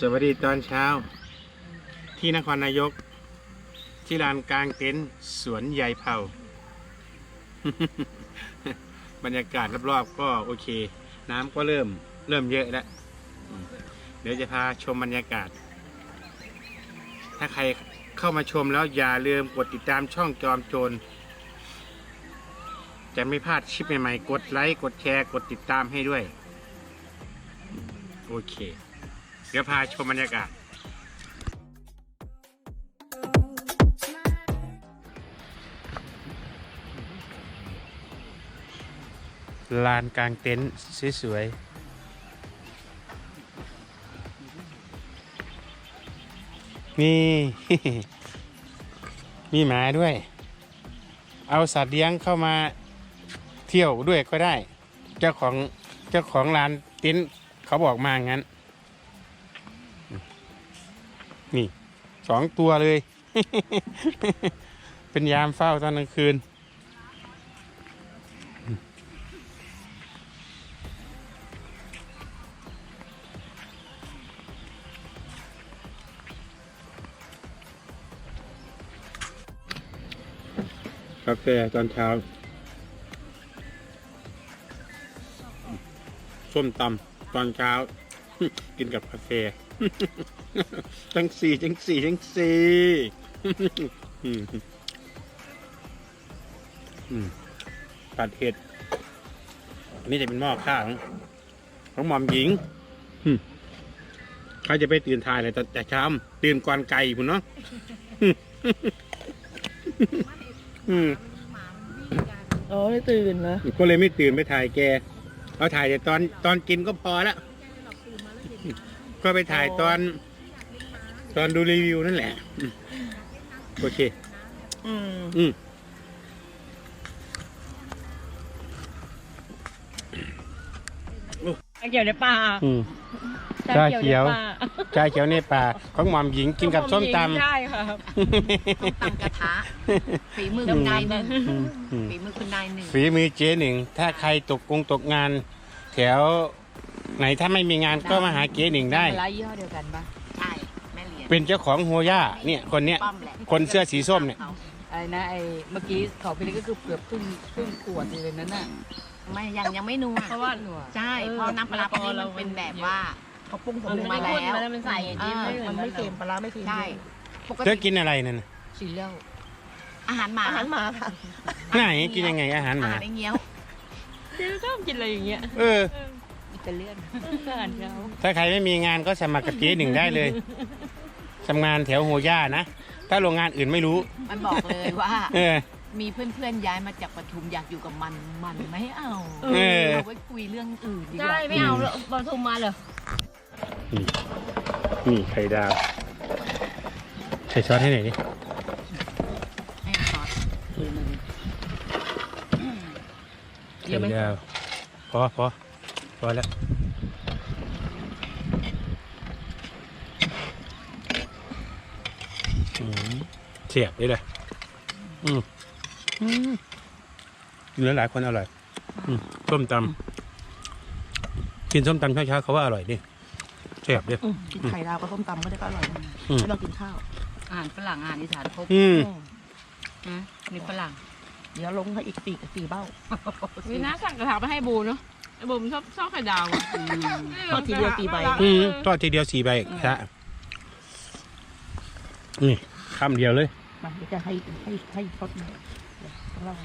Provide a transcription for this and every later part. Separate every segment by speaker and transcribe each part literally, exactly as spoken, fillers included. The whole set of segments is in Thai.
Speaker 1: สวัสดีตอนเช้าที่นครนายกที่ลานกลางเต็นท์สวนใหญ่เผา บรรยากาศรอบๆก็โอเคน้ำก็เริ่มเริ่มเยอะแล้วเดี๋ยวจะพาชมบรรยากาศถ้าใครเข้ามาชมแล้วอย่าลืมกดติดตามช่องจอมโจรจะไม่พลาดคลิปใหม่ๆกดไลค์กดแชร์กดติดตามให้ด้วยโอเคเดี๋ยวพาชมบรรยากาศลานกลางเต็นท์สวยๆมี มีหมาด้วยเอาสัตว์เลี้ยงเข้ามาเที่ยวด้วยก็ได้เจ้าของเจ้าของลานเต็นท์เขาบอกมางั้นนี่สองตัวเลย เป็นยามเฝ้าตอนกลางคืนกาแฟตอนเช้าส้มตำตอนเช้า กินกับกาแฟ จังสี่จังสี่จังสี่ ผัดเห็ดอันนี้จะเป็นหม้อข้าวของหม่อมหญิงเขาจะไปตื่นทายเลยแต่เช้าตื่นก่อนไก่พุ่นเนาะ
Speaker 2: อ๋อไม่ตื่นเหรอ
Speaker 1: ก็เลยไม่ตื่นไปถ่ายแกเอาถ่ายแต่ตอนตอนกินก็พอแล้วก็ไปถ่ายตอนตอนดูรีวิวนั่นแหละโอเคอืมอืม
Speaker 2: ชาเขียวในป่า
Speaker 1: ชาเขียวชาเขียวในป่าของหม่อมหญิงกินกับส้มตำ
Speaker 2: ใช่ค่ะ
Speaker 3: ส้มตำกระทะฝีมือคุณนายหนึ่งฝีมือคุณนายหนึ่ง
Speaker 1: ฝีมือเจ๊หนึ่งถ้าใครตกกงตกงานแถวไหนถ้าไม่มีงานก็มาหาเจ๊หนึ่งได้
Speaker 3: ร้านยี่ห้อเดียวกันปะใช่แม่เลี้ยง
Speaker 1: เป็นเจ้าของโฮย่าเนี่ยคนเนี้ยคนเสื้อสีส้มเนี่ย
Speaker 3: อะไรนะไอ้เมื่อกี้เขาไปเลยก็คือเกือบครึ่งครึ่งขวดเลยนั้นน่ะไม่ยังยังไม่นัวเพราะว่าใช่เพราะน้ำปลาที่มันเป็นแบบว่า
Speaker 2: เขาปรุงสำ
Speaker 3: เร็จมาแล้ว
Speaker 2: มันใส่มันไม่เค็มปลาไม่เค็ม
Speaker 3: ใช่
Speaker 1: เธอกินอะไรนั่น
Speaker 3: ซีเรียลอาหารหมา
Speaker 2: อาหารหมาค่ะ
Speaker 1: ไหนกินยังไงอาหารหมา
Speaker 3: อาหารไอ้เงี้ยว
Speaker 2: ที่ชอบกินอะไรอย่างเงี้ย
Speaker 1: เออ
Speaker 3: อิตาเลียนอาหารเขา
Speaker 1: ถ้าใครไม่มีงานก็สมัครกับเจ๊หนึ่งได้เลยทำงานแถวโฮย่านะถ้าโรงงานอื่นไม่รู้
Speaker 3: มันบอกเลยว่า
Speaker 1: เออ
Speaker 3: มีเพื่อนๆย้ายมาจากปทุมอยากอยู่กับมันมันไม่เอาเอาไว้คุยเรื่องอื่นดีกว่า
Speaker 2: ใช่ไม่เอาปทุมมาเลย
Speaker 1: นี่นี่ไข่ดาวใส่ซอสให้หน่อยดิ
Speaker 3: ให้ซอส
Speaker 1: ไข่ดาวพอพอพอแล้วเสียบเลยเลยอืมกินแล้วหลายคนอร่อยส้มตำกินส้มตำเช้าๆเขาว่าอร่อยดิเสียบดิ
Speaker 2: กินไข่ดาวกับส้มตำก็ได้ก็อร่อยไม่ต้องกินข้าว
Speaker 3: อาหารฝรั่งอาหารอีสานครบนะมีฝรั่ง
Speaker 2: เดี๋ยวลงให้อีกสี่กับสี่เบ้า
Speaker 4: วิน่าสั่งกระถางไปให้บูเนาะไอ้บูมชอบชอบไข่ดาว
Speaker 2: ทอดทีเดียวสี่ใบ
Speaker 1: ทอดทีเดียวสี่ใบครับนี่คำเดียวเลย
Speaker 2: มาจะให้ให้ให้ทอดของเรา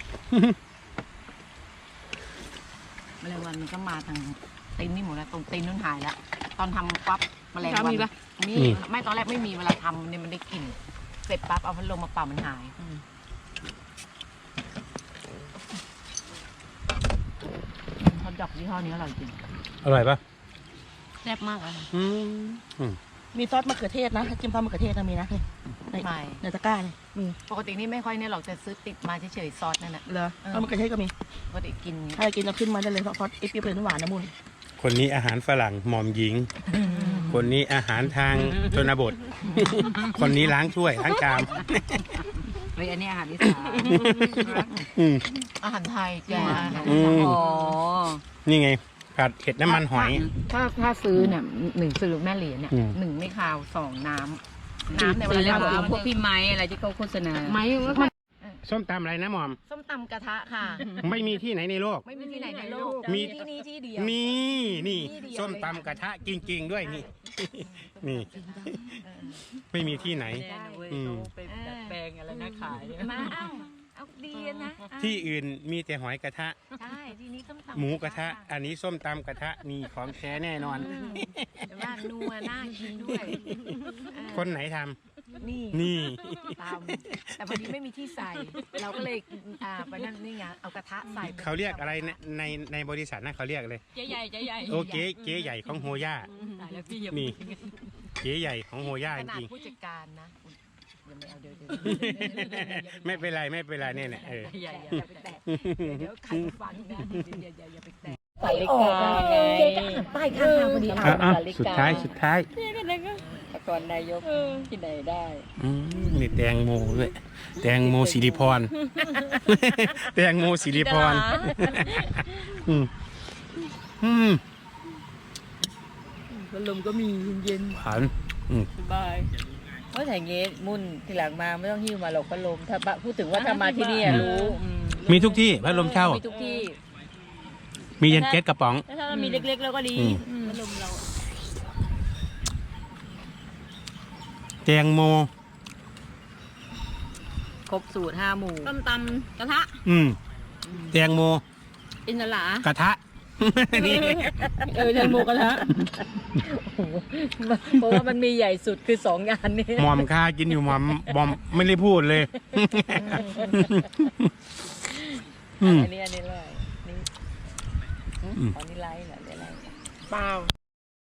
Speaker 3: แมลงวันมันก็มาทางตีนนี่หมดแล้วตรงตีนนู่นหายแล้วตอนทำปั๊บแมลงวันมีไม่ตอนแรกไม่มีเวลาทำเนี่ยมันได้กลิ่นเสร็จปั๊บเอาพัดลมมาเป่ามันหายฮอทดอกยี่ห้อนี้อร่อยจริง
Speaker 1: อร่อยปะ
Speaker 3: แซ่บมากเลย
Speaker 2: มีซอสมะเขือเทศนะจิ้มซอสมะเขือเทศนะมีนะนี่
Speaker 3: ไม่
Speaker 2: ในตะกร้าเนี่ยมี
Speaker 3: ปกตินี่ไม่ค่อยเนี่ยหรอกจะซื้อติดมาเฉยๆซอสนั่นแหละ
Speaker 2: เหรอซอสมะเขือเทศก็มี
Speaker 3: ปกติกิน
Speaker 2: ถ้ากินจะขึ้นมาได้เลยซอสเอฟเปรี้ยวหวานนะมุน
Speaker 1: คนนี้อาหารฝรั่งหม่อมหญิงคนนี้อาหารทางชนบทคนนี้ล้างถ้วยล้างชาม
Speaker 3: เฮ้ยอันนี้อาหารอีสานอาหารไทยแกอ๋อ
Speaker 1: นี่ไงผัดกับเห็ดน้ำมันหอย
Speaker 3: ถ้าถ้าซื้อเนี่ยหนึ่งซื้อแม่เหรียญเนี่ย
Speaker 1: อืม
Speaker 3: หนึ่งไม่คาวสองน้ำน้ำในเว
Speaker 4: ซื้อแล้
Speaker 3: ลาว เรา
Speaker 4: พวกพี่ไม้อะไรที่เขาโฆษณา
Speaker 3: ไม่
Speaker 1: ส้มตำอะไรนะหมอม
Speaker 3: ส้มตำกระทะค่ะ
Speaker 1: ไม่มีที่ไหนในโลก
Speaker 3: ไม่มีที่ไหนในโลก
Speaker 1: มี
Speaker 3: ที่นี่ที่เดียว
Speaker 1: นี่นี่
Speaker 3: ที่เดียว
Speaker 1: ส้มตำกระทะจริง ๆ ด้วยนี่ นี่ ไม่มีที่ไหน อืม
Speaker 3: ไปดัดแปลงอะไรนะขายมาเอาเอาดีนะ
Speaker 1: ที่อื่นมีแต่หอยกระทะ
Speaker 3: ใช่ที่นี้ส้มตำ
Speaker 1: หมูกระทะ อันนี้ส้มตำกระทะนี่ของแท้แน่นอน
Speaker 3: แต่ว่านัวน่ากินด้วย
Speaker 1: คนไหนทำ
Speaker 3: นี่
Speaker 1: นี่
Speaker 3: ตำแต่พอดีไม่มีที่ใส่ เราก็เลยอ่าไปนั่นนี่ไงเอากระทะใส่
Speaker 1: เขาเรียกอะไรในในในบริษัทนะเขาเรียกเลย
Speaker 4: เจ๊ใหญ่เจ๊ใหญ่
Speaker 1: โอเคเก๋ใหญ่ของโฮย่า
Speaker 4: ตายแล้วพี่อย่า
Speaker 1: นี่เก๋ใหญ่ของโฮย่า
Speaker 3: ข
Speaker 1: จ
Speaker 3: นาด
Speaker 1: ริง
Speaker 3: ผู้จัดการนะอย่าไม่เอาเดี๋ยวเดี๋ยว
Speaker 1: ๆไม่เป็นไรไม่เป็นไรเนี่ยเนี่ยเออ
Speaker 3: อย่าอย่าไปแตะเดี๋ยวใครฟังนะอย่าอย่าอย่าไปแตะ
Speaker 4: สาลิกาไง
Speaker 3: ป้ายข้างทางพอดี
Speaker 1: อ่ะอ่ะสุดท้ายสุดท้าย
Speaker 4: นครนายกที่ไหนได้
Speaker 1: อืมนี่แตงโมด้วยแตงโมสิริพร แตงโมสิริพรอืมอืม
Speaker 4: พัดลมก็มีเย็น
Speaker 1: หวานอืม
Speaker 4: สบายเพราะแต่เงี้ยมุ่นทีหลังมาไม่ต้องหิ้วมาหรอกพัดลมถ้าบะพูดถึงว่าถ้ามาที่นี่อะรู้อื
Speaker 1: มีทุกที่พัดลมเช่า
Speaker 4: มีทุกที่
Speaker 1: มีเย็นเก็ตกระป๋อง
Speaker 4: ถ้าเรามีเล็กๆแล้วก็ดี
Speaker 1: อืม
Speaker 4: อืมพัดลมเรา
Speaker 1: แตงโม
Speaker 4: ครบสูตรห้าหมู่ต้มตำกระทะ
Speaker 1: อืมแตงโม
Speaker 4: อินทลาก
Speaker 1: ระทะ นี่
Speaker 4: เออแตงโมกระทะ
Speaker 3: เพราะว่ามันมีใหญ่สุดคือสองงานนี้
Speaker 1: หมอมค่ากินอยู่หมอมบอมไม่ได้พูดเลย อืม
Speaker 4: อันนี้อันนี้เลยนี่
Speaker 1: อืม
Speaker 4: อันนี้ไลท์เหรอเดี๋ยวไลท์
Speaker 3: เปล่า